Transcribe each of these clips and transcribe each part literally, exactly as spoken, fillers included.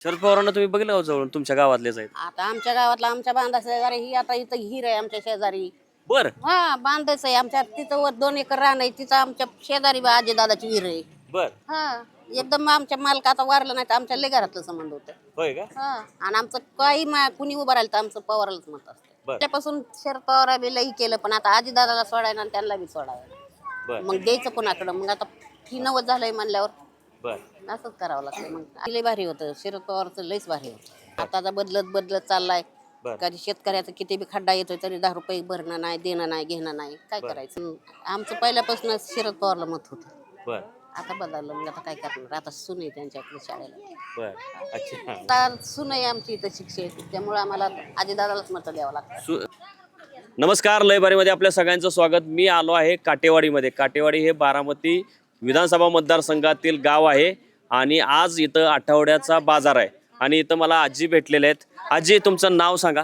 शरद पवारांना तुम्ही बघितलं का जवळून? तुमच्या गावातलेच आहेत. आता आमच्या गावातला आमच्या बांधा शेजारी ही आता इथं हिर आहे आमच्या शेजारी. बर हा बांधायचं आहे आमच्या तिथं वर दोन एकर रान आहे तिथं आमच्या शेजारी आजी दादाची विहीर आहे. बर हा एकदम आमच्या मालका आता वारलं नाही तर आमच्या लय घरातलं संबंध होतं. होय का? हा आणि आमचं काही मा- कुणी उभं राहिलं तर आमचं पवारालाच मत असतं. बर त्यापासून शरद पवार बी लई केलं पण आता आजी दादाला सोडायला आणि त्यांना बी सोडायला बर मग द्यायचं कोणाकडं मग आता ही नवत झालंय म्हणल्यावर बर असंच करावं लागतं. मग लय भारी होतं शरद पवारचं लयच भारी होतं. आता आता बदलत बदलत चाललाय. बर कधी शेतकऱ्याचं किती बी खड्डा येतोय तरी दहा रुपये भरणं नाही देणं नाही घेणं नाही काय बर. करायचं. आमचं पहिल्यापासून शरद पवारला मत होतं. बर आता बदललं मग आता काय करणार आता सून आहे त्यांच्याकडे शाळेला. बर अच्छा. आता सून आहे आमची इथं शिक्षक त्यामुळे आम्हाला आजीदादालाच मत द्यावं लागतं. सु नमस्कार, लयबारीमध्ये आपल्या सगळ्यांचं स्वागत. मी आलो आहे काटेवाडीमध्ये. काटेवाडी हे बारामती विधानसभा मतदारसंघातील गाव आहे आणि आज इथं आठवड्याचा बाजार आहे आणि इथं मला आजी भेटलेले आहेत. आजी, तुमचं नाव सांगा.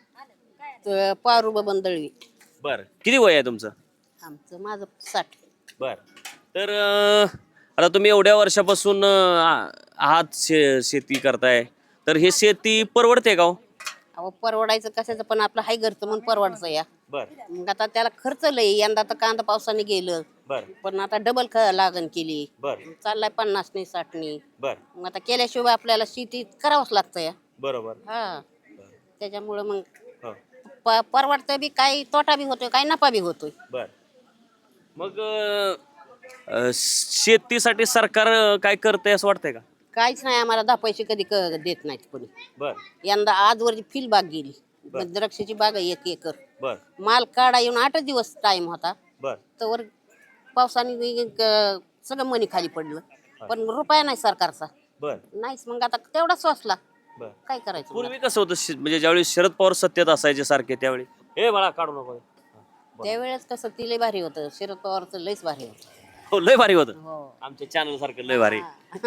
तर पारू बबन दळवी. बर किती वय आहे तुमचं? आमचं माझं साठ. बर तर अं, आता तुम्ही एवढ्या वर्षापासून अं, आ- आहात शे शेती करताय, तर हे शेती परवडते का हो? अहो परवडायचं कशाचं पण आपलं हाय घरचं म्हणून परवडायचं या. बर मग आता त्याला खर्च लय यंदा तर कांदा पावसाने गेलं बर पण आता डबल ख लागण केली. बर चाललाय पन्नास नाही साठ नाही. बर मग आता केल्याशिवाय आपल्याला शेती करावंच लागतं या. बरोबर. हा त्याच्यामुळं मग हो प परवडतं बी काही तोटा बी होतोय काही नफा बी होतोय. बर मग अं, अं, शेतीसाठी सरकार अं, काय करतंय असं वाटतंय का? काहीच नाही आम्हाला दहा पैसे कधी क देत नाहीत कोणी. बर यंदा आजवरची फील बाग गेली. मग द्राक्षाची बाग आहे एक एकर. बर माल काढा येऊन आठच दिवस टाइम होता बर तर पावसाने वे- क- सगळं मनी खाली पडलं पण रुपया नाही सरकारचा बर नाहीच. मग आता तेवढा सोसला बर काय करायचं. पूर्वी कसं होतं शे- म्हणजे ज्यावेळी शरद पवार सत्तेत असायचे सारखे त्यावेळी हे बाळा काढू नको. त्यावेळेस कसं ती लय भारी होतं शरद पवारचं लयच भारी होतं. हो लय भारी होतं. हो आमच्या चॅनल सारखं लय भारी.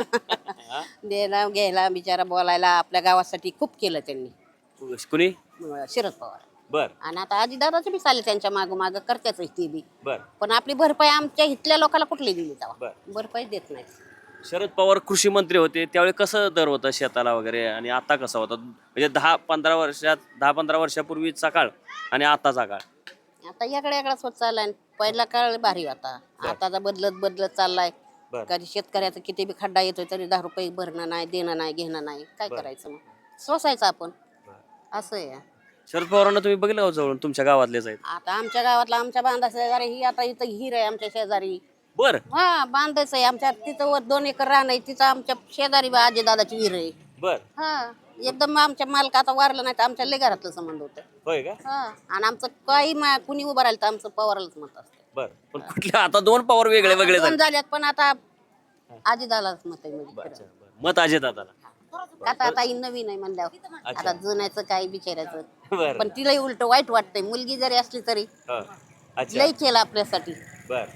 द्यायला घ्यायला बिचारा बोलायला आपल्या गावासाठी खूप केलं त्यांनी कुणी? अं, शरद पवार. बर आणि आता आजी दादाचे बी चालले त्यांच्या माग माग करतेच ते बी बर पण आपली भरपाई आमच्या इथल्या लोकांना कुठली दिली तेव्हा बर भरपाई देत नाही. शरद पवार कृषी मंत्री होते त्यावेळी कसं दर होता शेताला वगैरे आणि आता कसा होता? म्हणजे दहा पंधरा वर्षात दहा पंधरा वर्षापूर्वीचा काळ आणि आताचा काळ. आता याकडे याकडेच होत चाललाय. पहिला काळ भारी होता आताचा बदलत बदलत चाललाय. बर कधी शेतकऱ्याचं किती बी खड्डा येतोय तरी दहा रुपये भरणं नाही देणं नाही घेणं नाही काय बर. करायचं. मग सोसायचं आपण असं आहे. शरद पवारांना तुम्ही बघितलं का जवळून? तुमच्या गावातलेच आहेत. आता आमच्या गावातला आमच्या बांधा शेजारी ही आता इथं हिर आहे आमच्या शेजारी. बर हा बांधायचं आहे आमच्या तिथं वर दोन एकर रान आहे तिथं आमच्या शेजारी आजी दादाची विहीर आहे. बर हा एकदम आमच्या मालका आता वारलं नाही तर आमच्या लय घरातलं संबंध होतं. होय का? हा आणि आमचं काही मा- कुणी उभं राहिलं तर आमचं पवारालाच मत असतं. बर पण कुठल्या आता दोन पवार वेगळे वेगळे दोन झाले. झाल्यात पण आता आजी दादालाच मत आहे म्हणजे बर, खरं. अच्छा, बर. मत अजय दादाला. आता आता ही नवीन आहे म्हणल्यावर अच्छा. आता जुन्याचं काही बिचारायचं बर पण तिलाही उलट वाईट वाटतंय. मुलगी जरी असली तरी हो. अच्छा लई केलं आपल्यासाठी बर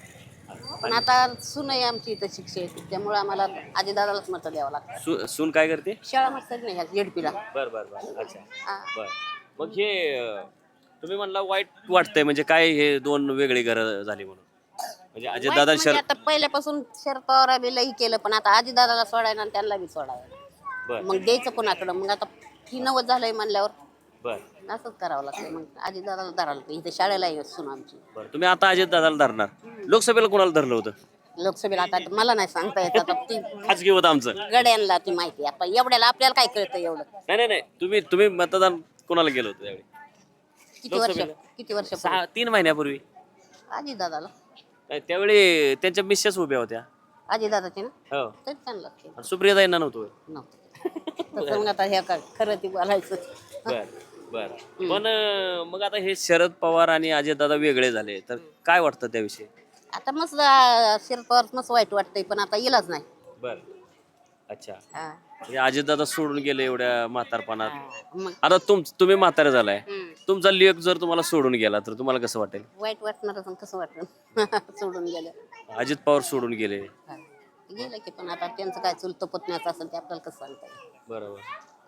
पण आता सून आहे आमची इथं शिक्षक त्यामुळे आम्हाला आजी दादालाच मत द्यावं लागतं. सु- सून काय करते? शाळा मस्त नाही ह्या जेडपीला. बर बर बर अच्छा हा. बर मग हे अं, तुम्ही म्हणला वाईट वाटतंय म्हणजे काय हे दोन वेगळी घरं झाली म्हणून? म्हणजे अजय वाईट दादा म्हणजे शर आता पहिल्यापासून शरद पवार बी लई केलं पण आता आजी दादाला सोडायला आणि त्यांना बी सोडायला बर मग द्यायचं कोणाकडं. मग आता ही नवत झालंय म्हणल्यावर बर असंच करावं लागतं. मग आजी दादाला धरावं लागतं. इथे शाळेला आहे सून आमची. बर तुम्ही आता अजय दादाला धरणार. लोकसभेला कोणाला धरलं होतं? लोकसभेला आता मला नाही सांगता येत आता ती खाजगी होतं आमचं. गड्यांना ती माहिती आता एवढ्याला आपल्याला काय कळतं एवढं. नाही नाही नाही तुम्ही तुम्ही मतदान कोणाला केलं होतं त्यावेळी? किती वर्ष लोकसभेला? किती वर्ष सहा तीन महिन्यापूर्वी. आजी दादाला नाही, त्यावेळी त्यांच्या मिसेस उभ्या होत्या. आजी दादाची ना हो तरी त्यांना केलं आणि सुप्रियाताईंना नव्हतं होय? नव्हतं तसं मग आता हे काय खरं ती बोलायचं. बर बर पण अं, मग आता हे शरद पवार आणि अजय दादा वेगळे झाले तर काय वाटतं त्याविषयी? आता मस्त आ, शरद पवार मस्त वाईट वाटतंय पण आता इलाज नाही. बर अच्छा हा. म्हणजे अजय दादा सोडून गेले एवढ्या म्हातारपणात. हा. मग आता तुम तुम्ही म्हातारे झालाय, हम्म. तुमचा लेख जर तुम्हाला सोडून गेला तर तुम्हाला कसं वाटेल? वाईट वाटणार पण कसं वाटलं सोडून गेलं. अजित पवार सोडून गेले. हा. गेलं की पण आता त्यांचं काय चुलतं पुतण्याचं असेल ते आपल्याला कसं सांगता येईल. बरोबर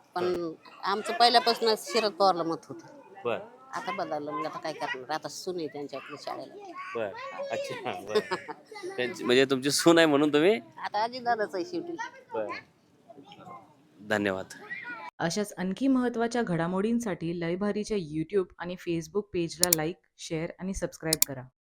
पण आमचं पहिल्यापासून शरद पवारला मत होतं. बर आता बदललं मग आता काय करणार. आता सून आहे त्यांच्याकडे शाळेला. बर अच्छा बर त्यांची म्हणजे तुमची सून आहे म्हणून तुम्ही आता आजी दादाच आहे शेवटी. बर धन्यवाद. अशाच आणखी महत्त्वाच्या घडामोडींसाठी लयभारीच्या यूट्यूब आणि फेसबुक पेजला लाईक, शेअर आणि सबस्क्राईब करा.